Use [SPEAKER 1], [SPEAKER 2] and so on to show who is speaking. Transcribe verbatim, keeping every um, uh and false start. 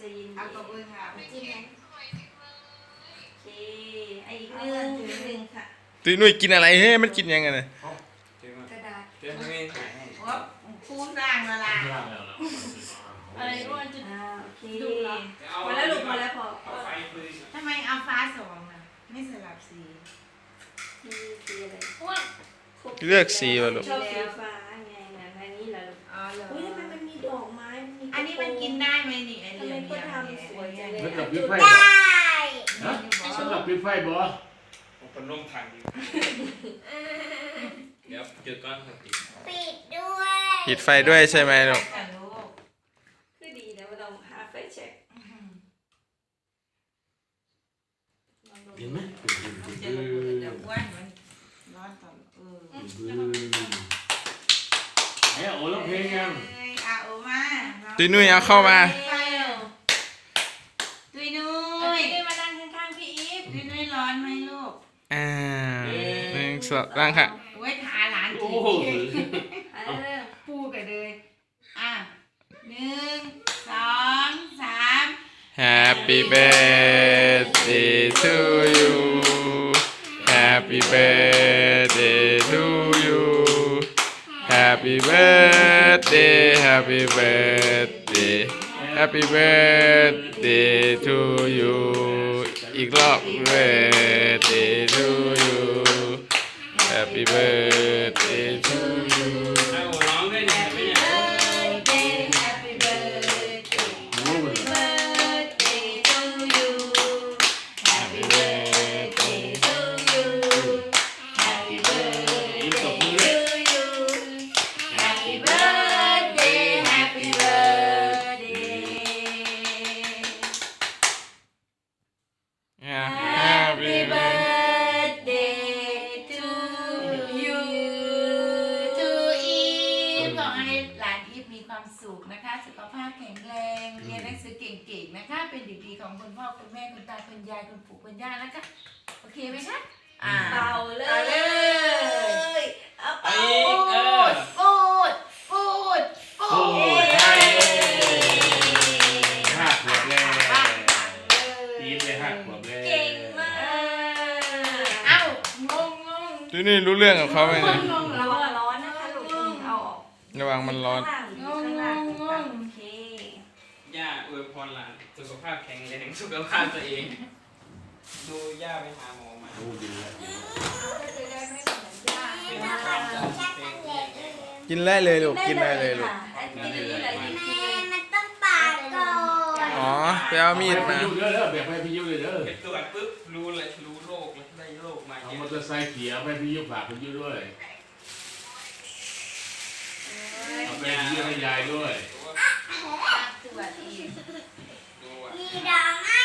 [SPEAKER 1] จะยินเอาตัวเองค่ะไม่จิ้มนะโอเคไออีกหนึ่งหนึ่งค่ะ
[SPEAKER 2] ตุ้ยนุ้ยกินอะไรเฮ้ยมันกินยังไงเนี่ย
[SPEAKER 1] กระดาษ
[SPEAKER 3] เดี๋ยวไม่ถ่ายให้
[SPEAKER 1] ว่าพูดร่างละล่ะ
[SPEAKER 4] อะไรอ้วนจุด
[SPEAKER 1] โอเคมาแล้วลูกมาแล้วพอ
[SPEAKER 4] ทำไมเอาฟ้าสองอ่ะไม่สลับสี
[SPEAKER 1] มีสีอะไร
[SPEAKER 4] อ้วน
[SPEAKER 2] เลือกสีวะลูก
[SPEAKER 1] ชอบสีฟ้าไงนะอันนี้แหละลูกอ๋อเหรออุ้ยทำไมมันมีดอกไม้
[SPEAKER 4] อันนี้มันกินได้ไหมนี่ไอเหลี่ยม
[SPEAKER 1] ก็ทำสวยจังเลย
[SPEAKER 5] สำหรับวิไฟสำหรับวิไฟบ่
[SPEAKER 3] ผมเป็นร่มทางดีเดี๋ยวเจอก้อนปิด
[SPEAKER 6] ปิดด้วย
[SPEAKER 2] ปิดไฟด้วยใช่ไหมลูก
[SPEAKER 1] คือดีนะไม่ต้องหาไฟเช็ค
[SPEAKER 5] เห็นไหม
[SPEAKER 4] จะระเบิดจะอ้วนมันร้อนต่อเออ
[SPEAKER 5] เฮ้ยโอ้ร้องเพลงยัง
[SPEAKER 4] อาโอมา
[SPEAKER 2] ตุ้ยนุ้ยเอาเข้ามา
[SPEAKER 4] ตุ้ยนุ้ยตุ้ยมานั่งข้างๆพี่อีฟตุ้ยนุ้ยร้อนไหมลูก
[SPEAKER 2] อ่าหนึ่งสองร่างค่ะ
[SPEAKER 4] ไว้ทาหลานจีปูกันเลยอ่ะหนึ่งสองสาม
[SPEAKER 2] Happy birthday to you Happy birthday to you Happy birthday Happy birthday Happy birthday to you อีกรอบ birthday to you Happy birthday to you
[SPEAKER 3] ให้ผมร้องด้วยเนี่ยไม่เนี่ย
[SPEAKER 1] Happy birthday to you Happy birthday to you Happy birthday to you Happy birthday Happy birthday Happy birthday to you
[SPEAKER 4] to อีฟขอให้หลานอีฟมีความสุขนะคะสุขภาพแข็งแรงเรียนหนังสือเก่งๆนะคะเป็นเด็กดีของคุณพ่อคุณแม่คุณตาคุณยายคุณปู่คุณย่านะคะโอเคไหมคะอ่า
[SPEAKER 1] เป่าเลยเอาเป่า
[SPEAKER 4] พูดพูดพูดพู
[SPEAKER 5] โอ้
[SPEAKER 4] ด
[SPEAKER 5] ยใช่ห้าขวบแล้วทีมเลยห้าขวบแล้ว
[SPEAKER 1] เก่งมาก
[SPEAKER 4] เอ้างงงง
[SPEAKER 2] ตุ้ยนุ้ยรู้เรื่องกับเขาไหมเนี่ย
[SPEAKER 4] งง
[SPEAKER 1] ระวังร้อนนะคะลูกเอาออก
[SPEAKER 2] ระวังมันร้อน
[SPEAKER 1] งงงงงงโอเค
[SPEAKER 3] ย่าอวยพรหลานสุขภาพแข็งแรงสุขภาพตัวเองดูย่าไปหาหมอมา
[SPEAKER 5] โอ้ดีแล้ว
[SPEAKER 3] เป็นความจำเป็น
[SPEAKER 2] กินได้เลยลูกกินได้เลยลูก
[SPEAKER 1] กินได้เลยกิน
[SPEAKER 6] แม่มันต้องปาดก่อน
[SPEAKER 2] อ๋อไปเอามีด
[SPEAKER 5] ไป
[SPEAKER 2] มา
[SPEAKER 5] ยุ่งเด้อเด้อแบกไปพี่ยุ่งเลยเด้อ
[SPEAKER 3] ไปตรวจปุ๊บรู้เลยรู้โรคเลยได้โรคมา
[SPEAKER 5] เอา
[SPEAKER 3] เย
[SPEAKER 5] มอ
[SPEAKER 3] อะ
[SPEAKER 5] เตอร์ไซค์เขียวไปพี่ยุ่งฝากพี่ยุ่งด้วยเอาไปพี่ยุ่งให้ยายด้วย
[SPEAKER 4] สวัสดี
[SPEAKER 3] ดูอ่ะ
[SPEAKER 6] มีดราม่า